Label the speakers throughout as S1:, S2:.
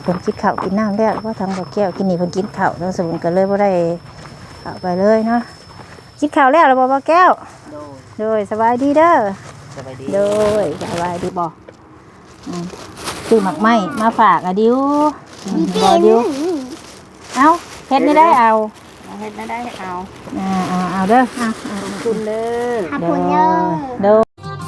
S1: เพิ่นกินข้าวกินน้ำแล้วก็ทางบ่แก้วกินนี่เพิ่นกินข้าวทั้งสมุนก็เลยบ่ได้เข้าไปเลยเนาะกินข้าวแล้วล่ะบ่แก้วโดยสบายดีเด้อสบายดีโดยสบายดีบ่ซื้อหมักไหม้มาฝากดิวบ่ดิวเอาเฮ็ดไม่ได้เอาเฮ็ดไม่ได้เอาเด้อขอบคุณเด้อขอบคุณเด้อ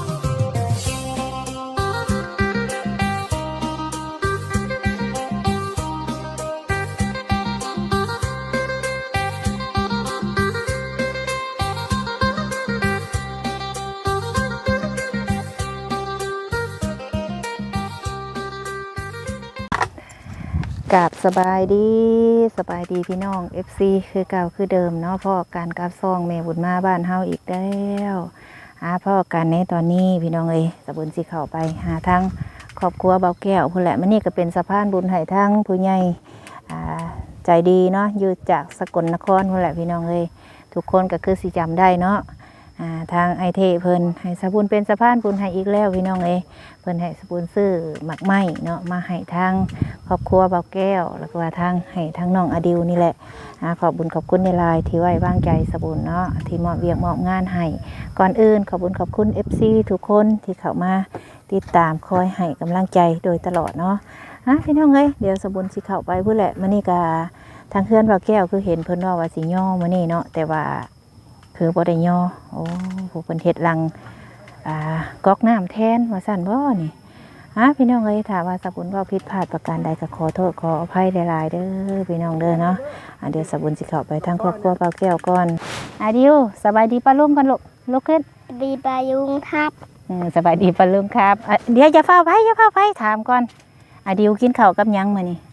S1: กับสบายดีพี่น้อง FC คือเก่าคือเดิมเนาะพ่อการกับซองแม่บุญมาบ้านเฮาอีกแล้วพ่อการในตอนนี้พี่น้องสะบุญสิเข้าไปหาทั้งครอบครัวเบาแก้วพุ่นแหละมันนี่ก็เป็นสะพานบุญให้ทั้งผู้ใหญ่ใจดีเนาะอยู่จากสกลนครพุ่นแหละพี่น้องทุกคนก็คือสิจำได้เนาะทางไอเทเพิ่นให้สะบุญเป็นสะพานบุญให้อีกแล้วพี่น้องเพิ่นให้สะบุญซื้อหมักไหม้เนาะมาให้ทางครอบครัวเบาแก้วแล้วก็ทางให้ทางน้องอดิวนี่แหละขอบคุณในไลน์ที่ไว้วางใจสะบุญเนาะที่มอบเวียกมอบงานให้ก่อนอื่นขอบคุณ FC ทุกคนที่เข้ามาติดตามคอยให้กำลังใจโดยตลอดเนาะพี่น้องเดี๋ยวสะบุญสิเข้าไปพุ่นแหละมื้อนี้ก็ทางเพื่อนเบาแก้วคือเห็นเพิ่นว่าสิย่อมื้อนี้เนาะแต่ว่าคือบ่ได้ย่อผู้เพิ่นเฮ็ดรังก๊อกน้ำแทนว่าซั่นบ่นี่พี่น้องถ้าว่าสะบุญว่าผิดพลาดประการใดก็ขอโทษขออภัยหลายๆเด้อพี่น้องเด้อเนาะเดี๋ยวสะบุญสิเข้าไปทางครอบครัวเปาแก้วก่อนดิวสบายดีป้าลุงกันลุกขึ้น
S2: ดีป้าลุงครับ
S1: สบายดีป้าลุงครับเดี๋ยวอย่าเฝ้าไปถามก่อนดิวกินข้าวกับหยังมื้อนี้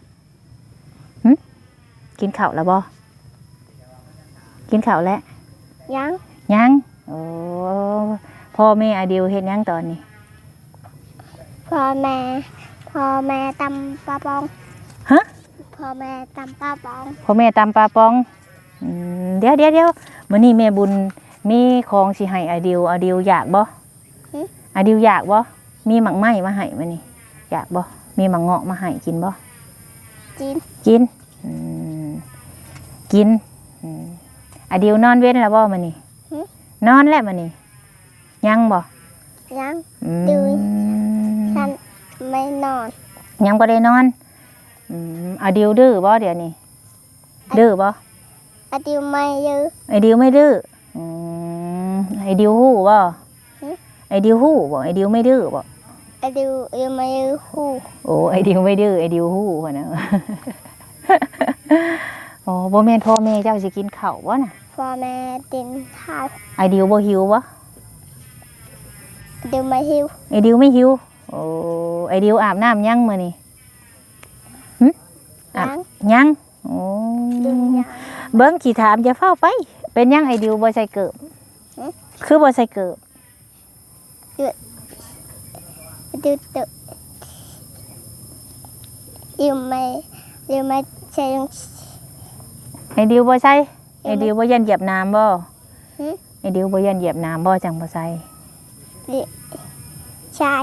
S1: กินข้าวแล้วบ่กินข้าวแล้วยังโอ้พ่อแม่ดิวเฮ็ดยังตอนนี้
S2: พ่อแม่ตำปลาปองพ่อแม่ตำปลาป
S1: องเดี๋ยวมื้อนี้แม่บุญมีของสิให้ดิวอยากบ่ดิวอยากบ่มีหมักไหม้มาให้มื้อนี้อยากบ่มีหมักเงาะมาให้กินบ่กินดิวนอนเว้นแล้วบ่มื้อนี้นอนแล้วมื้อนี้ยังบ่
S2: ดูฉันไม่นอน
S1: ยังบ่ได้นอนดิวดื้อบ่เดี๋ยวนี้ดื้อบ่
S2: ดิวไม่ดื้อ
S1: ดิวไม่ดื้อดิวฮู้บ่ดิวฮู้บ่ดิวไม่ดื้อบ่
S2: ดิวไม่ดื้อฮู้
S1: โอ้ดิวไม่ดื้อดิวฮู้พ่นน่ะโอ้บ่แม่นพ่อแม่เจ้าสิกินข้าวบ่น่ะ
S2: พ่อแม่กินข้าว
S1: ดิวบ่หิวบ่
S2: ดิวไม่หิว
S1: ดิวไม่หิวโอ้ดิวอาบน้ำยังมื้อนี้ยังโอ้เบิ่งขี้ถามอย่าเฝ้าไปเป็นยังดิวบ่ใส่เกิบคือบ่ใส่เกิบ
S2: ดิวไม่ใช่
S1: ดิวบ่ใส่ดิวบ่ยันเหยียบน้ำบ่ดิวบ่ยันเหยียบน้ำบ่จังบ่ใส่
S2: ใช่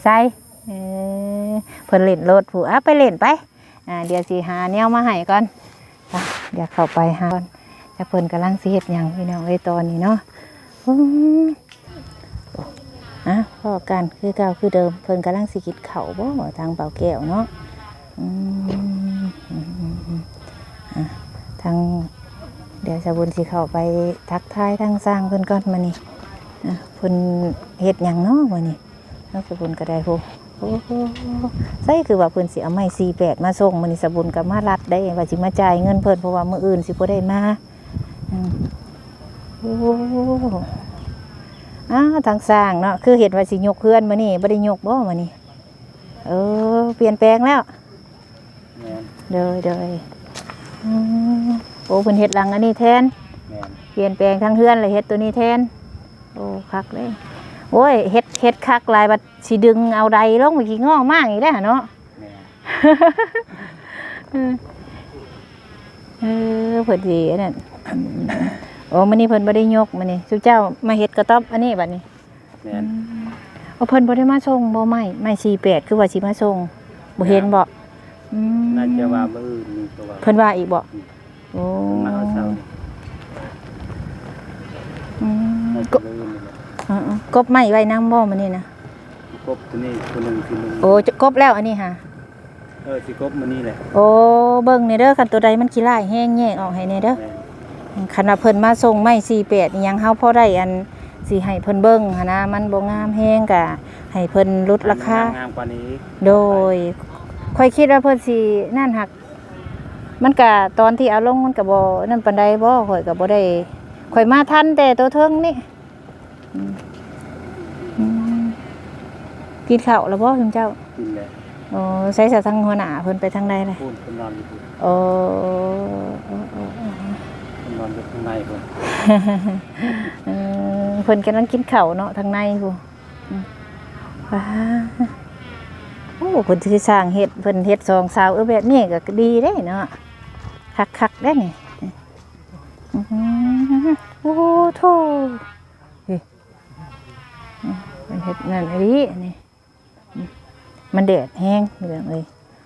S1: เพิ่นเล่นรถผู้ไปเล่นไปเดี๋ยวสิหาแนวมาให้ก่อนเดี๋ยวเข้าไปหาก่อนแต่เพิ่นกำลังสิเฮ็ดหยังพี่น้องตอนนี้เนาะพ่อกันคือเก่าคือเดิมเพิ่นกำลังสิกินข้าวบ่ทางเปาแก้วเนาะทางเดี๋ยวสะบุญสิเข้าไปทักทายทางสร้างเพิ่นก่อนมื้อนี้เพิ่นเฮ็ดหยังเนาะมื้อนี้แล้วสะบุญก็ได้โอ้ใช่คือว่าเพิ่นสิเอาไม้48มาส่งมื้อนี้สะบุญก็มารัดได้ว่าสิมาจ่ายเงินเพิ่นเพราะว่ามื้ออื่นสิบ่ได้มาทางสร้างเนาะคือเห็นว่าสิยกเพื่อนมื้อนี้บ่ได้ยกบ่มื้อนี้เปลี่ยนแปลงแล้วเด้อโอ้เพิ่นเฮ็ดหลังอันนี้แทนเปลี่ยนแปลงทั้งเฮือนเลยเฮ็ดตัวนี้แทนโอ้คักเลยโอ้ยเฮ็ดคักหลายบัดสิดึงเอาใดลงไปขี้ง้อมากอีกแล้วเนาะเพิ่นสิอันนั้นโอ้มื้อนี้เพิ่นบ่ได้ยกมื้อนี้ซุเจ้ามาเฮ็ดกระต๊อบอันนี้บัดนี้เพิ่นบ่ได้มาส่งบ่ไม้48คือว่าสิมาส่งบ่เห็นบ่อืม
S3: น่าจะว่ามื้ออื่นนี่ก็ว่า
S1: เพิ่นว่าอีกบ่โอ้
S3: เพิ่นมาเอาเช้านี่
S1: อืม
S3: น่าจะมื้ออื่นนี่แหละ
S1: กบไม้ไว้นำบ่มื้อนี้นะ
S3: กบตัวนี้ตัวหนึงที่มึง
S1: โอ้จะกบแล้วอันนี้ค่ะ
S3: สิกบมื้อนี้แหละ
S1: โอ้เบิ่งนี่เด้อคันตัวใดมันขี้ร้ายแฮงแยกออกให้แน่เด้อ
S3: แม่น
S1: คันว่าเพิ่นมาส่งไม้48อีหยังเฮาพอได้อันสิให้เพิ่นเบิ่งหันนะมันบ่งามแฮงก็ให้เพิ่นลดราคา
S3: งามกว่านี้
S1: โดยค่อยคิดว่าเพิ่นสินั่นหัก มันก็ตอนที่เอาลงมันก็บ่นั่นปานใดบ่ข่อยก็บ่ได้ข่อยมาทันแต่ตัวเทิงนี่อืมอืมกินข้าวแล้วบ่คุณเจ้า
S3: กินแหละ
S1: โอ้ใช้สะทางหัวหน้าเพิ่นไปทางใดเลย
S3: พูดเพิ่นนอนอยู่พุ่น
S1: โอ้
S3: เพิ่นนอนอยู่ข้างในพุ่น
S1: เพิ่นกำลังกินข้าวเนาะทางในพู้ว้าโอ้เพิ่นสิสร้างเฮ็ดเพิ่นเฮ็ดสองสาวแบบนี้ก็ดีเด้เนาะคักๆได้นี่อื้อหือโอ้โธ่เฮ้ยมันเฮ็ดนั่นอันนี้นี่มันแดดแห้งเรื่องเอ้ย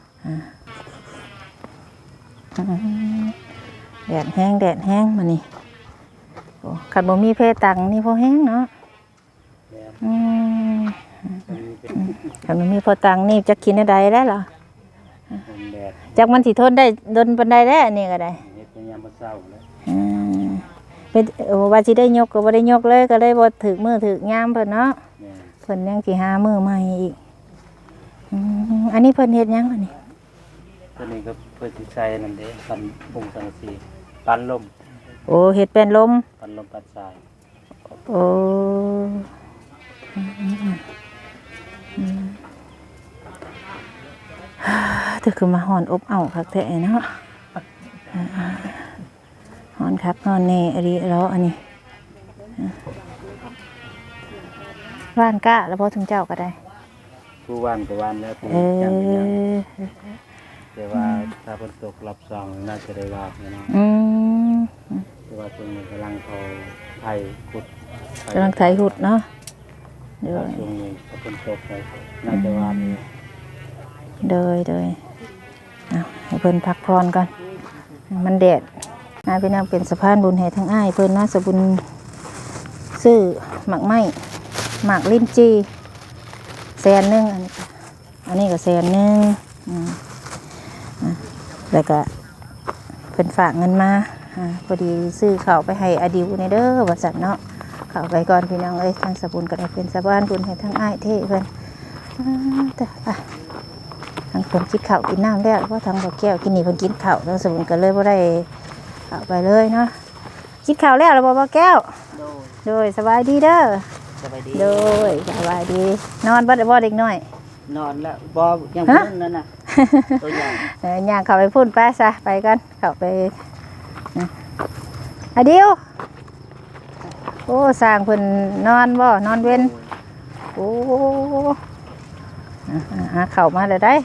S1: แดดแห้งมานี่โอ้คันบ่มีเพตังนี่พอแห้งเนาะ
S3: แม่น
S1: อืม
S3: มันมีเป็น
S1: คันบ่มีพอตังนี่จะกินได้แล้วเหรอ
S3: คนแดด
S1: จักมันสิทนได้ดนปานใดแล้วอันนี้ก็ได้
S3: เฮ็ดยามมื้อเช้าแล้ว
S1: อืมเป็นโอ้ว่าสิได้ยกก็บ่ได้ยกเลยก็เลยบ่ถึกมื้อถึกยามเพิ่นเนาะ
S3: แม่น
S1: เพิ่นยังสิหามื้อใหม่อีกอันนี้เพิ่นเฮ็ดหยังอันนี้
S3: ตัวนี้ก็เพิ่นสิใช้นั่นเด้ปันปุงสังกะสีปันลม
S1: โอ้เฮ็ดเป็นลม
S3: ปันลมปันทราย
S1: โอ้ถึกคือมาหอนอบอ้าวคักแท้เนาะหอนคักหอนแน่อันนี้แล้วอันนี้ว่านก้าแล้วพอถึงเจ้าก็ได้
S3: ผู้ว่านก็ว่านแล้วผู้
S1: เอ
S3: จังก็ยัง
S1: อ
S3: แต่ว่าถ้าฝนตกรอบสองน่าจะได้ว่าเนาะ
S1: อืม
S3: แต่ว่าช่วงนี้กำลังเอาไถขุด
S1: กำลังไถหุดเนาะเด
S3: ว่าย ช่วงนี้ถ้าฝนตกไปน่าจะว่ามี
S1: เดยเอาให้เพิ่นพักผ่อนก่อนมันแดดพี่น้องเป็นสะพานบุญให้ทั้งอ้ายเพิ่นนะสะบุญซื้อหมักไม้หมักลิ้นจี100,000อันนี้ก็100,000แล้วก็เพิ่นฝากเงินมาพอดีซื้อข้าวไปให้อดิวในเด้อว่าซั่นเนาะข้าวไปก่อนพี่น้องเอ้ยทางสะบุญก็ได้เป็นสะพานบุญให้ทั้งอ้ายเท่เพิ่นแต่ทางเพิ่นกินข้าวกินน้ำแล้วเพราะทางบ่อแก้วกินนี่เพิ่นกินข้าวทางสะบุญก็เลยบ่ได้เอาไปเลยเนาะกินข้าวแล้วบ่บ่แก้วโดยสบายดีเด้อ
S4: สบายดี
S1: โดยสบายดีนอนบ่ได้บ่เด็กน้อย
S4: นอนแล้วบอยังพุ่นนั่นน่ะตัวใหญ่
S1: ย่างเข้าไปพุ่นไปซะไปกันเข้าไปอะเดียวโอ้สร้างเพิ่นนอนบ่นอนเว้นโอ้เข้ามาเลยได้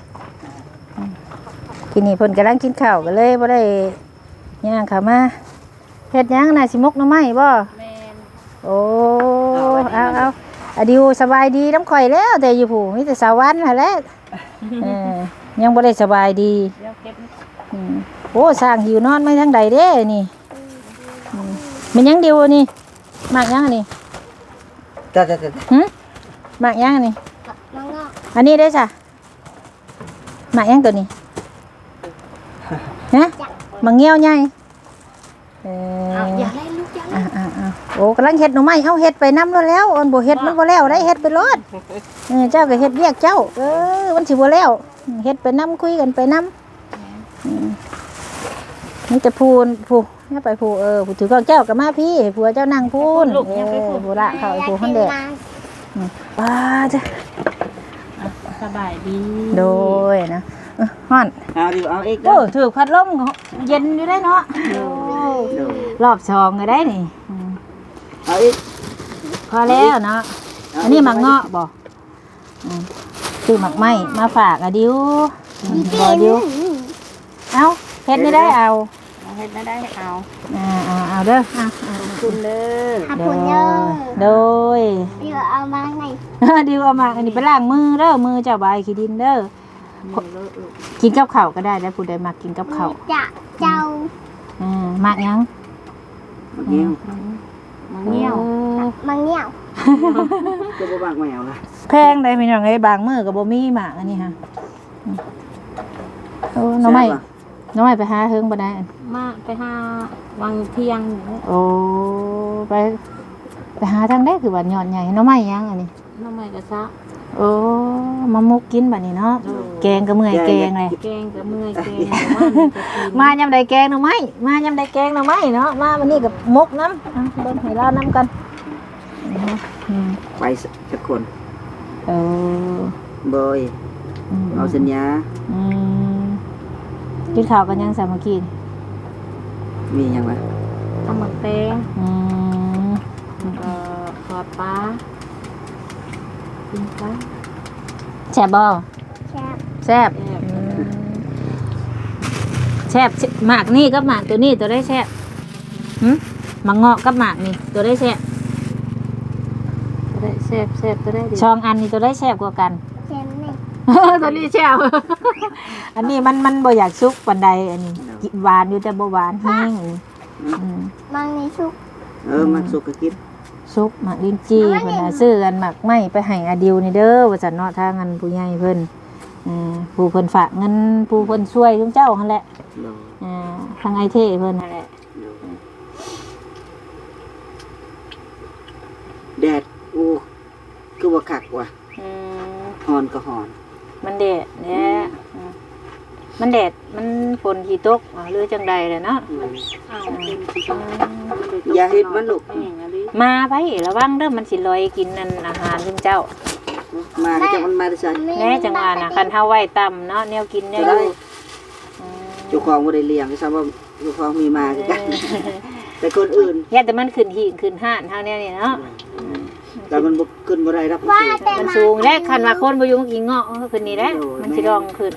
S1: ทีนี้เพิ่นกำลังกินข้าวก็เลยบ่ได้ย่างเข้ามาเฮ็ดหยังน่ะสิมกหน่อไม้บ่
S4: แม่น
S1: โอ้เอาอะดิวสบายดีน้ำข่อยแล้วแต่อยู่ผู้มีแต่สาวันหั่นแหละยังบ่ได้สบายดี
S4: เดี๋ยวเก็บ
S1: โอ้สร้างหิวนอนไม่ทั้งใดเด้นี่มันยังดิวนี่มากยังอันนี่
S4: จ้า
S1: มากยังอันนี่
S2: น้องงอก
S1: อันนี้ได้จ้ะมากยังตัวนี้ฮะมังเงี้ยวใหญ่
S2: อย่าเล่นลูกอย่าเล่น
S1: โอ้กำลังเฮ็ดหน่อไม้เอาเฮ็ดไปน้ำแล้วแล้วอันบ่เฮ็ดมันบ่แล้วได้เฮ็ดไปรอดเจ้าก็เฮ็ดเรียกเจ้ามันสิบ่แล้วเฮ็ดไปน้ำคุยกันไปน้ำนี่จะพูนผู้เนี่ยไปผู้ผู้ถือกองเจ้ากับมาพี่ผัวเจ้านั่งพูนผู้ละเขาผู้คนเด็กว้าจ้ะ
S4: สบายดี
S1: โดยนะฮ้อน
S4: เอาดิเอาอีก
S1: โอ้ถือพัดลมเย็นอยู่ได้เนาะรอบสองก็ได้นี่
S4: เอาอีก
S1: พอแล้วเนาะอันนี้หมักเงาะบ่ซื้อหมักไม้มาฝากอะดิวบ่ดิวเอาเฮ็ดไม่ได้เอา
S4: เฮ็ดได้เอา
S1: เอาเด้อ
S4: คุณเด้อ
S2: ขับผลเยอะ
S1: โดย
S2: เดี๋ยวเอามาไหน
S1: ดิวเอามาอันนี้ไปล้างมือเด้อมือเจ้าใบขี้ดินเด้อกินกับข้าวก็ได้แล้วผู้ใดมักกินกับข้าว
S2: จะเจ้า
S1: มักหยัง
S4: มันเงี้ยว
S2: มังเงี้ยว
S4: ก็บ่บางแมวล่ะ
S1: แพงได้พี่น้องเอ้ยบางมื้อก็บ่มีหมากอันนี้ฮะโอ้น้องใหม่น้องใหม่ไปหาเฮิงบ่ได้อัน
S5: มาไปหาวังเที่ยง
S1: โอ้ไปหาทางได้คือว่ายอดใหญ่น้องใหม่ยังอันนี้
S5: น้ำใหม่กระซะ
S1: โอ้มามุกกินบัดนี้เนาะแกงก็เมื่อยแกงเลย
S5: แกงกับเมื่อยแกงว่ามันจะกิน
S1: มายำใดแกงหน่อไม้มายำใดแกงหน่อไม้เนาะมาวันนี้กับมกน้ำเบิ่งให้เราน้ำกัน
S4: ไปสักคน
S1: เออ
S4: เบยเอาสัญญา
S1: กินข้าวกันยังสามัคคี
S4: มีหยังวะ
S5: ทำหมักแตงทอดปลากินปลา
S1: แซ่บบ่
S2: แซ่บ
S1: แซ่บหมากนี่กับหมากตัวนี้ตัวได้แซ่บหมากเงาะกับหมากนี่ตัวได้แซ่บ
S5: ได้แซ่บแซ่บก็ได้ดี
S1: ช่องอันนี้ตัวได้แซ่บกว่ากัน
S2: แซ่บนี่
S1: ตัวนี้แซ่บ อันนี้มันบ่อยากซุกปานใดอันนี้กินหวานอยู่แต่บ่หวานแห้ง
S2: มังในชุก
S4: มันสุกก็กิน
S1: ซุกหมากลิ้นจี้เพิ่นน่ะซื้อกันหมากไม้ไปให้อาดิวนี่เด้อว่าซั่นเนาะทางอันผู้ใหญ่เพิ่นผู้เพิ่นฝากเงินผู้เพิ่นช่วยทุกเจ้าหั่นแหละทางไอเทเพิ่นนั่นแหละ
S4: แดดอู้คือว่าคักว่ะฮอนก็ฮอน
S1: มันแดดแหละมันแดดมันฝนขี้ตกหรือจังใดแหละเนาะ
S4: อย่าเฮ็ดมันลูก
S1: มาไประวังเด้อมันสิลอยกินนั่นอาหารทุกเจ้า
S4: มาก็จะมันมาได้ใส่
S1: แน่จังว่าน่ะคันเฮาไว้ต่ำเนาะแนวกินแนวอยู่
S4: เจ้าของบ่ได้เลี้ยงก็ซ้ำว่าเจ้าของมีมาคือกันแต่คนอื่น
S1: อย่าแต่มันขึ้นหิ่งขึ้นห้านเฮาแนวนี้เนาะ
S4: แต่มันบ่ขึ้นบ่ได้รับ
S2: ว่าแต่
S1: มัน
S2: มา
S1: สูงแลคันว่าคนบ่อยู่กินเงาะขึ้นนี่แหละมันสิดองขึ้น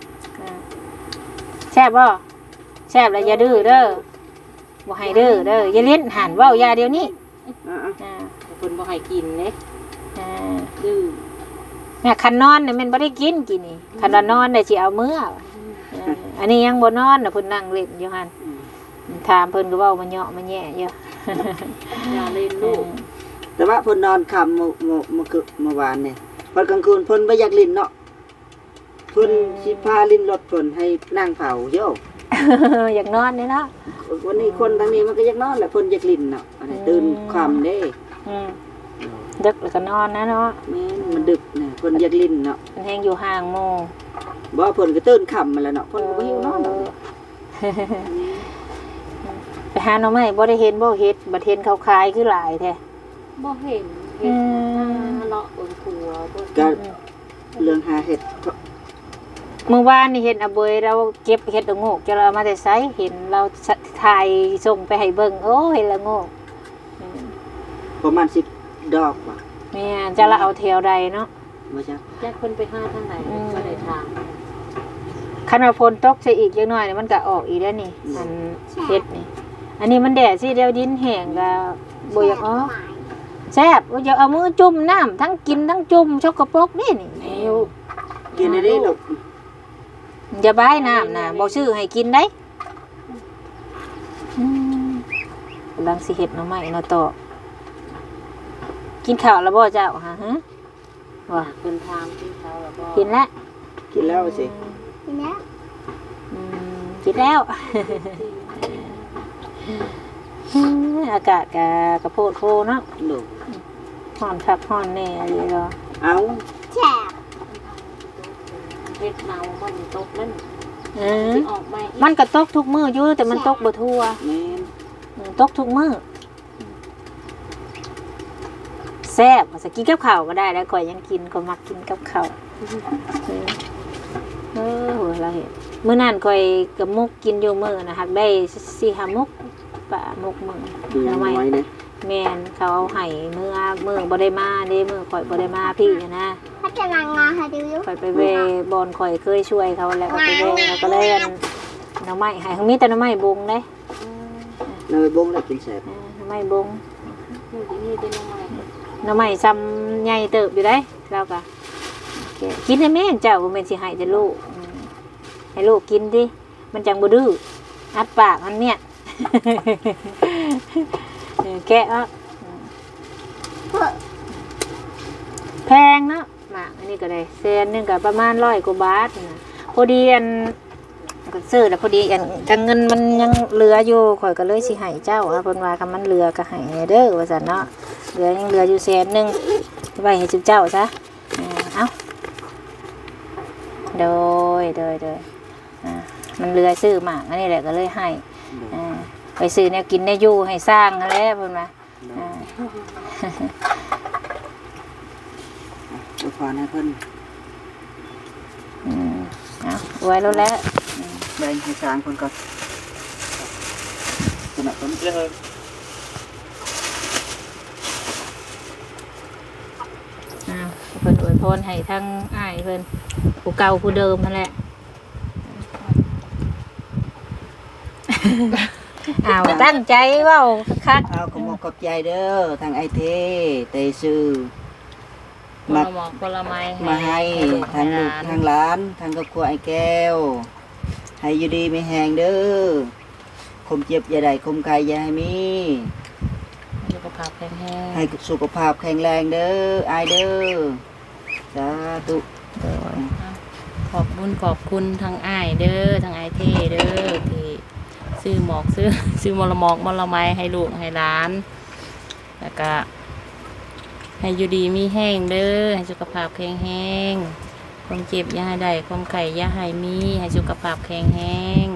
S1: แซ่บบ่แซ่บแล้วอย่าดื้อเด้อบ่ให้ดื้อเด้ออย่าเล่นหันเว้าอย่าเดี๋ยวนี้
S5: คนบ่ให้กินเลย
S1: ดื้อเนี่ยคันนอนเนี่ยมันบ่ได้กินนี่คันว่านอนเนี่ยสิเอามื้ออันนี้ยังบ่นอนน่ะเพิ่นนั่งเล่นอยู่หั่นถามเพิ่นก็เว้ามาเหยาะมาแย่อยู่
S5: อย่าเล่นลูก
S4: แต่ว่าเพิ่นนอนค่ำเมื่อวานนี่พอกลางคืนเพิ่นบ่อยากลิ้นเนาะเพิ่นสิพาลิ้นรถเพิ่นให้นั่งเผาโย
S1: อยากนอนนี่เนาะ
S4: วันนี้คนทางนี้มันก็อยากนอนแหละเพิ่นอยากลิ้นเนาะอันนี้ตื่นค่ำเด้
S1: ดึกแล้วก็นอนนะเนาะ
S4: แม่นมันดึกน่ะเพิ่นอยากลิ้นเนาะ
S1: มันแฮงอยู่ห่างโม
S4: บ่เพิ่นก็ตื่นค่ำมาแล้วเนาะเพิ่นก็บ่หิวนอนดอก
S1: ไปหาหน่อไม้บ่ได้เห็นบ่เฮ็ดบัดเห็นเขาขายคือหลายแท้
S5: บ่เห็นเห็นเลาะบนครัวบน
S4: ก็เรื่องหาเห็ด
S1: เมื่อวานนี่เห็นอาเบยเราเก็บเฮ็ดละโงกจะเรามาแต่ไสเห็นเราถ่ายส่งไปให้เบิ่งโอ้เห็นละโงก
S4: ประมาณ10 ดอกว่ะ
S1: แม่นจะละเอาแถวใดเนาะ
S4: บ่จัก
S5: แยกคนไปหาทางไหนก็ได้ทาง
S1: คันว่าฝนตกใส่อีกจักหน่อยนี่มันก็ออกอีกแล้วนี่มันเฮ็ดนี่อันนี้มันแดดสิเดี๋ยวดินแห้งก็บ่อยากออกแซ่บอย่าเอามือจุ่มน้ำทั้งกินทั้งจุ่มชกกระปรกนี่นี่
S4: กินได้เด้ลูก
S1: อย่าบายน้ำนะบ่ซื้อให้กินได้กำลังสิเฮ็ดหน่อไม้เนาะต่อกินข้าวแล้วบ่เจ้าฮะว่า
S5: เป็นทางที่เขาแล้วก็
S1: กินแล้ว
S4: กินแล้วสิ
S2: ทีนี้
S1: กินแล้วอากาศกระโพดโพเนาะ
S4: ลูก
S1: ฮ้อนคักฮ้อนแน่อะไรเนาะ
S4: เอา
S2: แซ่บ
S5: เฮ็ดเนามันตกนั่น ออกมา
S1: มันก็ตกทุกมื้ออยู่แต่มันตกบ่ทั่ว
S4: แม่น
S1: ตกทุกมื้อแซ่บจะกินกับข้าวก็ได้แล้วข่อยยังกินก็มักกินกับข้าวโหเราเห็นมื้อนั้นข่อยกับมุกกินอยู่มื้อนะฮักได้4-5มุกปะมุกมื้อ
S4: ดูน้อยเด้
S1: แม่นเขาเอาให้มื้อบ่ได้มาเด้มื้อข่อยบ่ได้มาพี่นะ
S2: ถ้าจะนางงาให้ดูอยู่
S1: ข่อยไปเวบอนข่อยเคยช่วยเขาแล้วก็ไปเวแล้วก็เลยอันหน่อไม้ให้เขามีแต่หน่อไม้บงเด้
S4: เราไปบ่งแล้วกินแซ่บ
S1: หน่อไม้บง
S5: อยู่ที่นี่เป็นยังไง
S1: หน่อไม้ซ้ำใหญ่เติบอยู่ได้แล้วก็
S4: แ
S1: กินให้แม่เจ้าบ่แม่นสิให้แต่ลูกให้ลูกกินดิมันจังบ่ดื้ออัดปากมันเนี่ย แกะอ่ะแพงเนาะหมากอันนี้ก็ได้แสนนึงก็ประมาณ100 กว่าบาทนะพอดีอันก็ซื้อแล้วพอดีอันจังเงินมันยังเหลืออยู่ข่อยก็เลยสิให้เจ้าเพิ่นว่าคันมันเหลือก็ให้เด้อว่าซั่นเนาะยังเหลืออยู่แสนนึงไว้ให้เจ้าซะเอ้าโดยมันเหลือซื้อหมากอันนี้แหละก็เลยให้ไปซื้อแนวกินได้อยู่ให้สร้างนั่นแหละเพิ่นว่า
S4: อวยพรให้เพิ่น
S1: เอาไว้แล้วแหละ
S4: แบ่งให้สร้างเพิ่นก่อนสนับสนุนเลย
S1: เพิ่นอวยพรให้ทั้งอ้ายเพิ่นผู้เก่าผู้เดิมนั่นแหละตั้งใจเว้าคัก
S4: เอาขอบขอบใจเด้อทางไอเทเตซื้อ
S5: ผลหมอกผลไม้
S4: มาให้ทางลูกทางหลานทางครอบครัวไอ้แก้วให้อยู่ดีไม่แห้งเด้อคมเจ็บอย่าได้คมไข้อย่าให้มี
S5: สุขภาพแข็งแรง
S4: ให้สุขภาพแข็งแรงเด้ออายเด้อสาธุ
S5: ขอบคุณทางอ้ายเด้อทางอ้ายเท่เด้อที่ซื้อหมอกซื้อมลหมอกมลไม้ให้ลูกให้หลานแล้วก็ให้อยู่ดีมีแห้งเด้อให้สุขภาพแข็งแรงความเจ็บอย่าให้ได้ความไข้อย่าให้มีให้สุขภาพแข็งแรง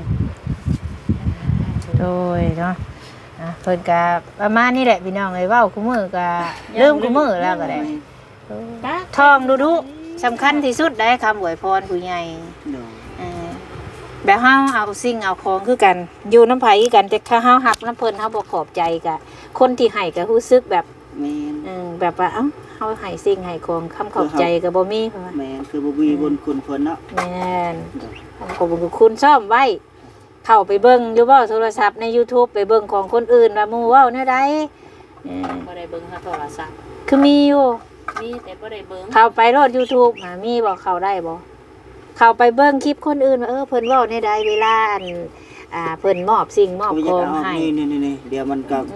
S1: โดยเนาะเพิ่นก็ประมาณนี้แหละพี่น้องเอ้ยเว้าคุมื้อก็ลืมคุมื้อแล้วก็ได้ท่องดูๆสำคัญที่สุดได้คำอวยพรผู้ใหญ่แบบเฮาเอาสิ่งเอาของคือกันอยู่น้ำไผคือกันแต่ถ้าเฮาฮักน้ำเพิ่นเฮาบ่ขอบใจก็คนที่ให้ก็รู้สึกแบบ
S4: แม่น
S1: แบบว่าเอ้าเฮาให้สิ่งให้ของคำขอบใจก็บ่มี
S4: แม่นคือบ่มีบุญคุณเพิ่นเนาะ
S1: แม่นขอบคุณซ่อมไว้เข้าไปเบิ่งอยู่บ่โทรศัพท์ใน YouTube ไปเบิ่งของคนอื่นว่าหมู่เว้าแนวใด
S5: บ่ได้เบิ่งโทรศัพท์
S1: คือมีอยู่
S5: มีแต่บ่ได้เบิ่ง
S1: เข้าไปโลด YouTube มีบ่เข้าได้บ่เข้าไปเบิ่งคลิปคนอื่นว่าเพิ่นเว้าแนวใดเวลาอันเพิ่นมอบสิ่งมอบของให้
S4: นี่เดี๋ยวมันก็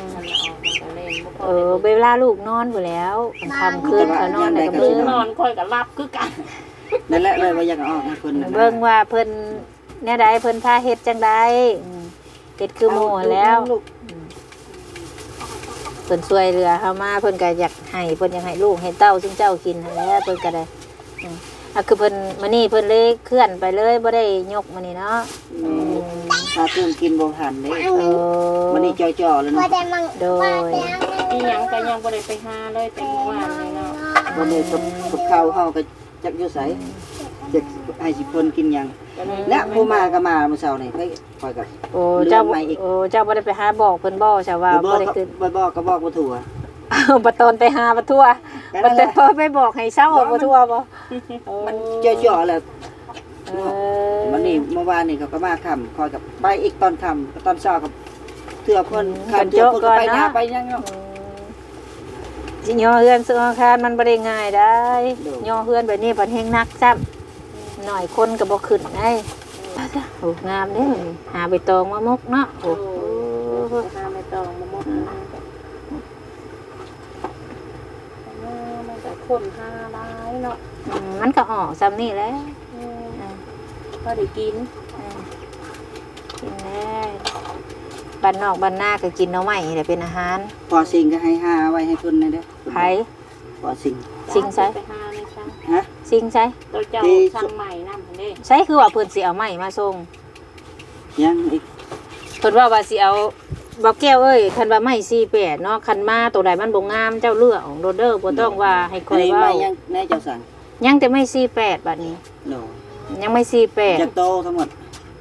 S1: เวลาลูกนอนพู่นแล้วค่ำคืนเขานอนแล้วก็มื้
S5: อนอนค่อยก็หลับคือกัน
S4: นั่นแหละเลยว่าอยากออกให้เพิ่น
S1: เบิ่งว่าเพิ่นแนวใดเพิ่นพาเฮ็ดจังไดเฮ็ดคือหมู่แล้วเพิ่นช่วยเหลือเฮามาเพิ่นก็อยากให้เพิ่นอยากให้ลูกให้เต้าซึ่งเจ้ากินนั่นแหละเพิ่นก็ได้คือเพิ่นมื้อนี้เพิ่นเลยเคลื่อนไปเลยบ่ได้ยกมื้อนี้เนาะ
S4: ถ้าเพิ่นกินบ่ทันเด้มื้อนี้จ่อๆเลยเนาะ
S1: โดย
S5: อีหยังก็ยังบ่ได้ไปหาเลยแต่เมื่อวานนี่เนาะ
S4: บ่ได้กับข้าวเฮาก็จักอยู่ไสจักให้สิเพิ่นกินหยังและผู้มาก็มาเมื่อเช้านี่ไปคอยกับ
S1: เจ้าบ่ได้ไปหาบอกเพิ่นบ่ใช่ว่าบ่ได้ขึ้น
S4: บอกก็บอกบ่ถูก
S1: บ่ตอนไปหาบ่ทั่วบ่แต่พอไปบอกให้เช้าบ่ทั่วบ่
S4: มันจ่อๆแหละวันนี้เมื่อวานนี่เขาก็มาค่ำคอยกับไปอีกตอนค่ำตอนเช้ากับเทื่อเพิ่นค่ำเทื่อเพิ่นก็ไปหน้าไปยังเนาะ
S1: สิย่อเฮือนซื้ออาคารมันบ่ได้ง่ายได้ย่อเฮือนแบบนี้เพิ่นแฮงนักซ้ำหน่อยคนก็บ่ขึ้นได้โอ้งามเด้หาใบตองมามกเนาะโอ้
S5: หาใบตองมามกมันก็คนหาหลายเนาะ
S1: มันก็ออกซ้ำนี่แหละ
S5: พอได้กิน
S1: แล้วบ้านนอกบ้านนาก็กินเนาะใหม่แหละเป็นอาหาร
S4: พอสิ่งก็ให้หาไว้ให้เพิ่นได้เด้อ
S1: ไผ
S4: พอสิ่ง
S1: ใช้
S5: ไปหาในช่าง
S4: ฮะ
S1: สิ่งใช้
S5: ตัวเจ้าช่างใหม่นำพุ่นเด้
S1: ใช้คือว่าเพิ่นสิเอาใหม่มาส่ง
S4: ยังอีก
S1: เพิ่นว่าสิเอาบ่แก้วเอ้ยคันว่าไม้48เนาะคันมาตัวใดมันบ่งามเจ้าเลือกของโดเด้อบ่ต้องว่าให้ค่อยเว้า
S4: ยังแน่เจ้าสั่ง
S1: ยังแต่ไม่48บัดนี้
S4: โน
S1: ยังไม่48
S4: จะโตทั้งหมด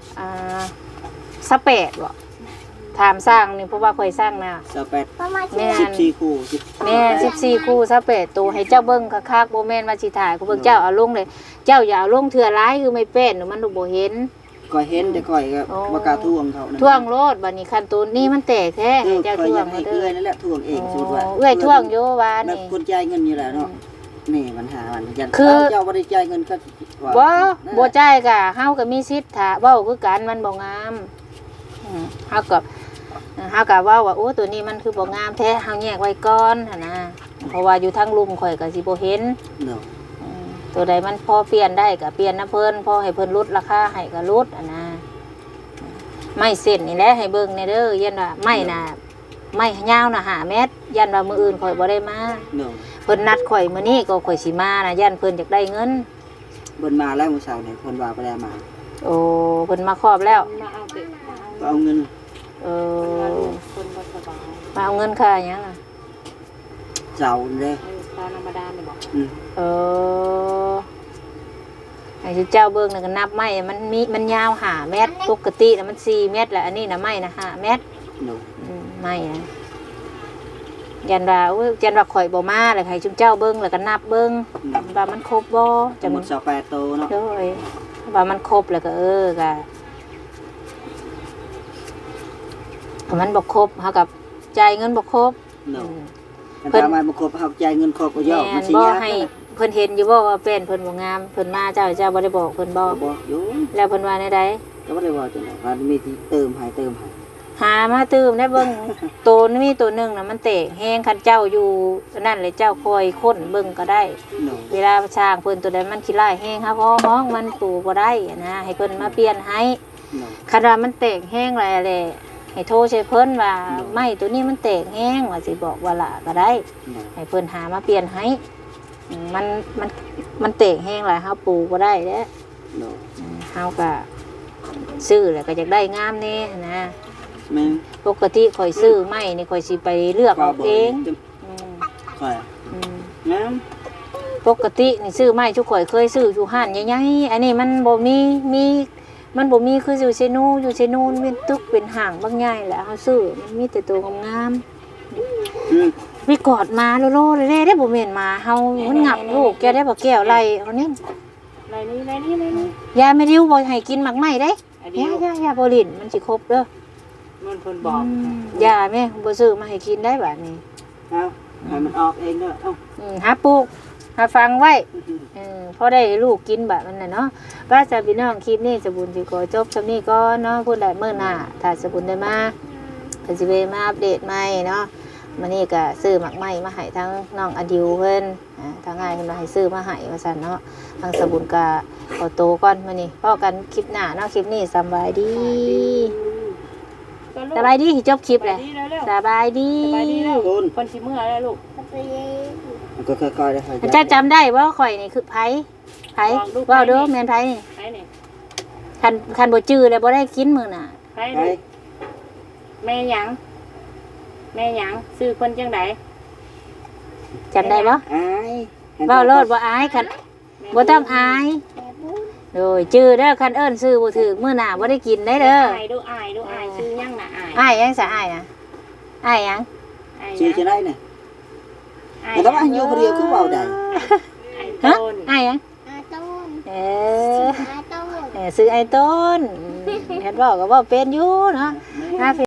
S1: 28บ่ถามสร้างนี่เพราะว่าค่อยสร้างนะ
S4: 28แม่14คู่
S1: แม่14คู่28ตัวให้เจ้าเบิ่งคักๆบ่แม่นว่าสิถ่ายกูเบิ่งเจ้าเอาลงเลยเจ้าอย่าเอาลงเทื่อหลายคือไม่เป็นมันบ่เห็น
S4: ก็เห็นแต่ก่อยก็บ่กล้าท่วงเขา
S1: ท่วงโลดบัดนี้คันตูนนี่มันแตกแท้ให้เจ้าท่วง
S4: ให้เอื้อยนั่นแหละท่วงเองสุดว่า
S1: เอื้อยท่วงอยู่ว่านี่
S4: คนจ่ายเงินอยู่แล้วเนาะนี่ปัญหามันยัน
S1: คือ
S4: เจ้าบ่ได้จ่ายเงินก็
S1: บ่บ่จ่ายก็เฮาก็มีสิทธิ์ถ้าเว้าคือกันมันบ่งามเฮาก็เว้าว่าโอ้ตัวนี้มันคือบ่งามแท้เฮาแยกไว้ก่อนหั่นนะเพราะว่าอยู่ทางลุมข่อยก็สิบ่เห็น
S4: เนาะ
S1: ตัวใดมันพอเปลี่ยนได้ก็เปลี่ยนนะเพิ่นพอให้เพิ่นลดราคาให้ก็ลดนะไม่เส้นนี่แหละให้เบิ่งในเด้อยันว่าไม่น่ะไม่ยาวน่ะ5 เมตรยันว่ามื้ออื่นข่อยบ่ได้มา
S4: เนาะ
S1: เพิ่นนัดข่อยมื้อนี้ก็ข่อยสิมานะยันเพิ่นอยากได้เงิน
S4: เพิ่นมาแล้วมื้อเช้านี่เพิ่นว่าบ่ได้มา
S1: โอ้เพิ่นมาครอบแล้ว
S5: มาเอาเด็ก
S4: ก็เอาเงิน
S1: เออ
S5: คนบ่สบาย
S1: มาเอาเงินค่าหยังอ่ะ
S4: เจ้าเด้
S5: ตาธรรมดานี่บอก
S1: เออให้เจ้าเบิ่งน่ะก็นับไม้มันยาว5 เมตรปกติน่ะมัน4 เมตรแหละอันนี้น่ะไม้น่ะ5 เมตร
S4: เนาะ
S1: ไม่นะยันว่าอุ้ยยันว่าข่อยบ่มาเลยให้จุมเจ้าเบิ้งแล้วก็นับเบิ้งว่ามันครบบ่
S4: จำนวน28โตเนาะ
S1: โดยว่ามันครบแล้วก็ก็ถ้ามันบ่ครบเฮากับจ่ายเงินบ่ครบ
S4: เนาะถ้ามาบ่ครบเฮาจ่ายเงินครบก็ย่อมันสิ
S1: บ่
S4: ยาก
S1: ให้เพิ่นเห็นอยู่บ่ว่าเป็นเพิ่นบ่งามเพิ่นมาเจ้าบ่ได้บอกเพิ่นบ่
S4: บ่อยู่
S1: แล้วเพิ่นว่าในใด
S4: ก็บ่ได้ว่าจังได๋ว่ามีที่เติมให้
S1: หามาตื้มได้เบิ่งตัวนี้มีตัวหนึงน่ะมันเตะแฮงคันเจ้าอยู่นั่นเลยเจ้าคอยค้นเบิ่งก็ได้
S4: เนาะ
S1: เวลาช้างเพิ่นตัวใดมันขี้ร้ายแห้งครับเพราะห้องมันตูบ่ได้นะให้เพิ่นมาเปลี่ยนให้
S4: เนาะ
S1: คันว่ามันแตกแห้งอะไรแหละให้โทรใช้เพิ่นว่าไม้ตัวนี้มันแตกแห้งว่าสิบอกว่าละก็ได้
S4: เนาะ
S1: ให้เพิ่นหามาเปลี่ยนให้มันแตกแห้งหลายเฮาปลูกบ่ได้เด้
S4: เนาะ
S1: เฮาก็ซื้อแล้วก็อยากได้งามแน่นะ
S4: แม่น
S1: ปกติข่อยซื้อไม้นี่ข่อยสิไปเลือกเอาเองอืม
S4: ค่อย
S1: อืม
S4: แม่น
S1: ปกตินี่ซื้อไม้ทุกข่อยเคยซื้ออยู่ห้านใหญ่ๆอันนี้มันบ่มีมันบ่มีคืออยู่เซนูมันเป็นตึกเป็นห้างบางใหญ่แหละเฮาซื้อมันมีแต่ตัวงาม
S4: อืม
S1: ๆวิกอดมาโลๆเลยได้บ่แม่นมาเฮามันงับลูกแกได้บ่แก้วไล่เอานี่
S5: ไรนี่
S1: ยาไม่ริ้วบ่ให้กินหมักไหม้ได้
S5: อันนี้
S1: ยาบ่ลิ้นมันสิครบเด้อ
S5: มันเพิ่นบอก
S1: ยาแม่บ่ซื้อมาให้กินได้บัดนี้
S4: เอาให้มันออกเองเด้อเอ้า
S1: หาปลูกหาฟังไว้พอได้ลูกกินแบบนั้นน่ะเนาะว่าจะพี่น้องคลิปนี้สบุญสิขอจบซำนี้ก่อนเนาะพูดได้มื้อหน้าถ้าสบุญได้มาก็สิไปมาอัปเดตใหม่เนาะมื้อนี้ก็ซื้อหมักไหม้มาให้ทั้งน้องอดิวเพิ่นทางง่ายเพิ่นมาให้ซื้อมาให้ว่าซั่นเนาะทางสบุญก็ขอโตวก่อนมื้อนี้พอกันคลิปหน้าเนาะคลิปนี้สำบายดีสบายดีจบคลิปเลยสบายดี
S4: คุณ
S5: คนสิเมื่อแล้วลูก
S4: มันก็ค่อยๆได้ค่อยๆ
S1: เจ้าจำได้ว่าข่อยนี่คือไผเว่าเด้อแม่นไผนี่
S5: ไปนี่
S1: คันบ่จื้อแล้วบ่ได้กินมื้อน่ะ
S5: ไป
S4: ไป
S5: ลูกแม่หยังซื้อเพิ่นจังได
S1: จำได้บ่
S4: อาย
S1: เว้าโลดบ่อายคันบ่ต้องอายโดยจื้อเด้อคันเอิ้นซื้อบ่ถูกมื้อหน้าบ่ได้กินได้เด้อ
S5: อายดูซื้อยังน่ะอาย
S1: อายยังซะอายน่ะอายยัง
S4: ชื่อจะได้น่ะแต่ถ้าว่าอยู่คนเดียวคือเว้าได้
S1: ฮะอายยัง
S2: อาต้น
S1: เออ
S2: อาต้น
S1: ซื้อไอ้ต้นเฮ็ดเว้าก็เว้าเป็นอยู่เนาะ